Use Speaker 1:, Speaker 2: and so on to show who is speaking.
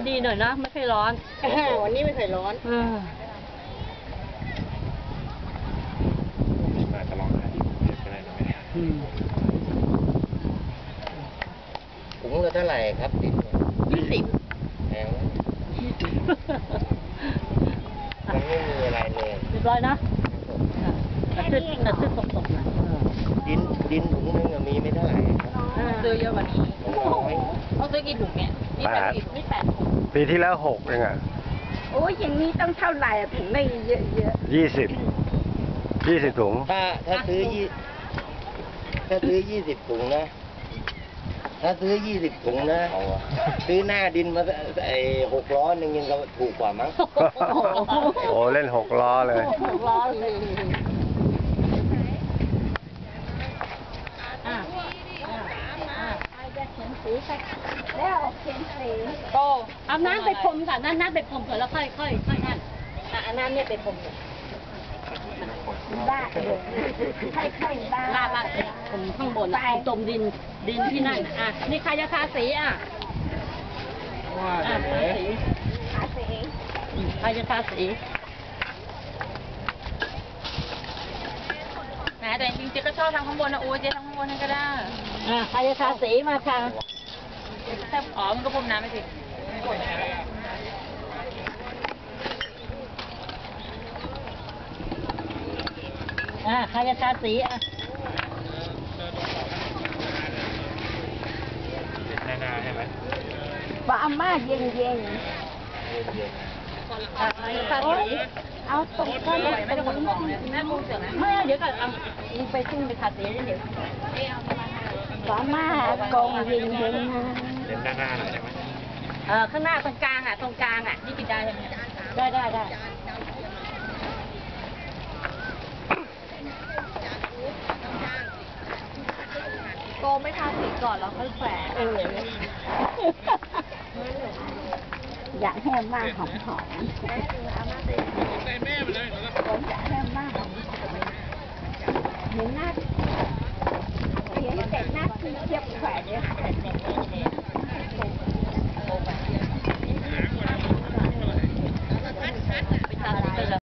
Speaker 1: ดีหน่อยนะไม่ค่อยร้อน
Speaker 2: วันนี้ไม่เคยร้อน
Speaker 3: อาจจะลองหาที่กรุงเทพก็ได้นะแม่
Speaker 4: ถุงละเท่าไหร่ครับดิน
Speaker 1: 20
Speaker 4: แพงมันไม่มีอะไรเลย
Speaker 1: เรียบร้อยนะกระซึกตกๆหน่อย
Speaker 4: ดินถุงนึงมีไม่เท่าไหร่
Speaker 2: ซื้อเยอะกว่านี้
Speaker 4: น้อย
Speaker 2: ต้องซื้อกี่ถุงเนี่ยนี่8ถุง
Speaker 3: ปีที่แล้ว6เองอ่ะ
Speaker 2: โอ้ยอย่างนี้ต้องเท่าไหร่ถึงได้เยอะ
Speaker 3: 20ถุง
Speaker 4: ถ้าซื้อ20ถุงนะถ้าซื้อ20ถุงนะซื้อหน้าดินมา6 ล้อนึงยังก็ถูกกว่ามั้ง
Speaker 3: โอ้เล่น6 ล้อเลย
Speaker 1: 6 ล้อเลย
Speaker 2: แล้วเขียนสี
Speaker 1: โตเอาน้ำไปพรมค่ะน้ำไปพรมก่อนแล้วค่อยนั่น
Speaker 2: อันนั้นเนี่ยไปพรมบ้าค่อยบ้า
Speaker 1: ลาดผมข้างบนตมดินที่นั่นนี่ใครจะทาสีใครจะทาสี
Speaker 2: แต่จริงๆก็ชอบทำข้างบนนะโอ้เจ๊ทำข้างบนนั่นก็ได้
Speaker 1: ใครจะทาสีมาค่ะ
Speaker 2: แต่มันก็พรมน้ำไม่สิ
Speaker 1: ใครจะทาสี
Speaker 3: หน้าใช่ไหม
Speaker 2: บ้ามาเย็นเอาตรงก้นไม่ได้คนของเลยแม่มุ้งเสือ
Speaker 1: ไม่เดี๋ยวก่อนไปซึ่งไปทาสีเดี๋ยว
Speaker 2: บ้ามากองเย็น
Speaker 3: เล่นด้านหน้าหน่อยได้ไหม
Speaker 1: ข้างหน้าตรงกลางนี่กินได้ใช่ไหมได้
Speaker 2: โกไม่ทาสีก่อนแล้วค่อยแขวนอยากให้มากหอมผมอยากให้มากเห็นหน้าเสร็จหน้าคือเทียบแขวนเนี่ย